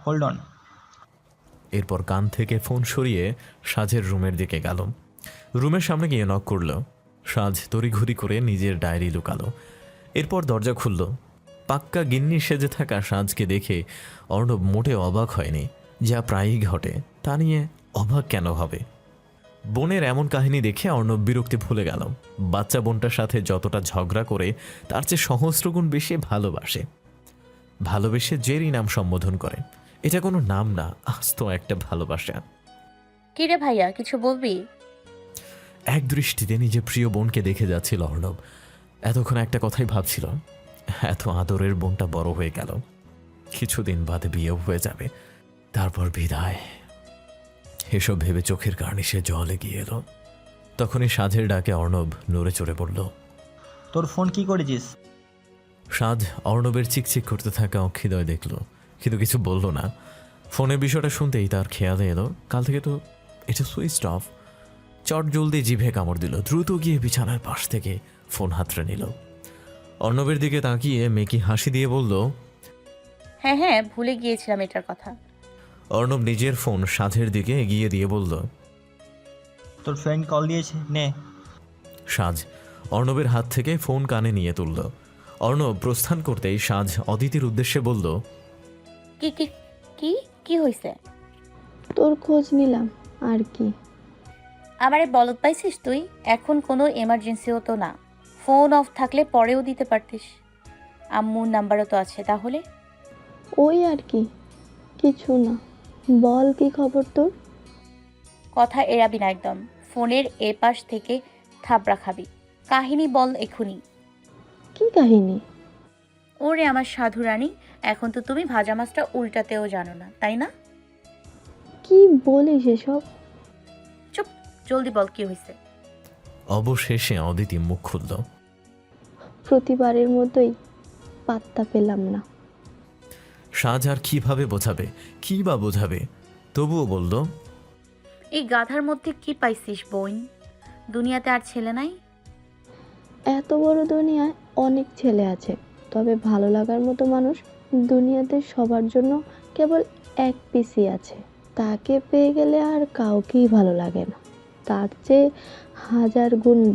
Hold on. এরপর কান থেকে ফোন সরিয়ে সাজের রুমের দিকে গেল। রুমের সামনে গিয়ে নক করল। সাজ তড়িঘড়ি করে নিজের ডায়েরি লুকালো। এরপর দরজা খুলল। পাক্কা গিন্নি সেজে থাকা সাজকে দেখে অর্ণব মোটে অবাক হয়নি। যা প্রায়ই ঘটে, তা নিয়ে অবাক কেন হবে? বোনের এমন কাহিনী দেখে অর্ণব বিরক্তি ভুলে গেল। বাচ্চা বোনটার সাথে যতটা ঝগড়া করে তার চেয়ে সহস্রগুণ বেশি ভালোবাসে। ভালোবেসে জেরি নাম সম্বোধন করে। এটা কোনো নাম না, আস্ত একটা ভালোবাসা। কিরে ভাইয়া, কিছু বলবি? এক দৃষ্টিতে নিজের প্রিয় বোনকে দেখে যাচ্ছিল অর্ণব। এতক্ষণ একটা কথাই ভাবছিল, এত আদরের বোনটা বড় হয়ে গেল, কিছুদিন বাদে বিয়েও হয়ে যাবে, তারপর বিদায়। এসব ভেবে চোখের কার্নিশে জল এগিয়ে এলো। তখনই সাজের ডাকে অর্ণব নড়ে চড়ে পড়ল। তোর ফোন কি করেছিস? সাজ অর্ণবের চিকচিক করতে থাকা অক্ষিদয় দেখল, কিন্তু কিছু বলল না। ফোনের বিষয়টা শুনতেই তার খেয়ালে এলো, কাল থেকে তো এটা সুইচ অফ। চট জলদি জিভে কামড় দিল, দ্রুত গিয়ে বিছানার পাশ থেকে ফোন হাতড়ে নিল। অর্ণবের দিকে তাকিয়ে মেকি হাসি দিয়ে বলল, হ্যাঁ হ্যাঁ, ভুলে গিয়েছিলাম এটার কথা। অর্ণব নিজের ফোন সাজের দিকে এগিয়ে দিয়ে বলল, তোর ফ্রেন্ড কল দিয়েছে, নে। সাজ অর্ণবের হাত থেকে ফোন কানে নিয়ে তুলল। অর্ণব প্রস্থান করতেই সাজ অদিতির উদ্দেশ্যে বলল, কি কি কি কি হয়েছে? তোর খোঁজ নিলাম আর কি। আমারে বলত পাইছিস তুই? এখন কোনো এমার্জেন্সিও তো না, ফোন অফ থাকলে পরেও দিতে পারতিস। আম্মুর নাম্বারও তো আছে। তাহলে ওই আর কি, কিছু না। বল কি খবর তোর? কথা এড়াবি না একদম। ফোনের এ পাশ থেকে থাবড়া খাবি। কাহিনী বল এখুনি। কি কাহিনী? ওরে আমার সাধু রানী, এখন তো তুমি ভাজা মাছটা উল্টাতেও জানো না, তাই না? কি বলিস এসব? চুপ, জলদি বল কি হয়েছে। অবশেষে অদিতি মুখ খুলল। প্রতিবারের মতোই পাত্তা পেলাম না। সাজ আর কিভাবে বোঝাবে, কি বা বোঝাবে? তবুও বলল, এই গাধার মধ্যে কি পাইছিস বোন? দুনিয়াতে আর ছেলে নাই? এত বড় দুনিয়ায় অনেক ছেলে আছে, তবে ভালো লাগার মতো মানুষ দুনিয়াতে সবার জন্য কেবল এক পিসই আছে। তাকে পেয়ে গেলে আর কাউকেই ভালো লাগে না, তার চেয়ে হাজার গুণ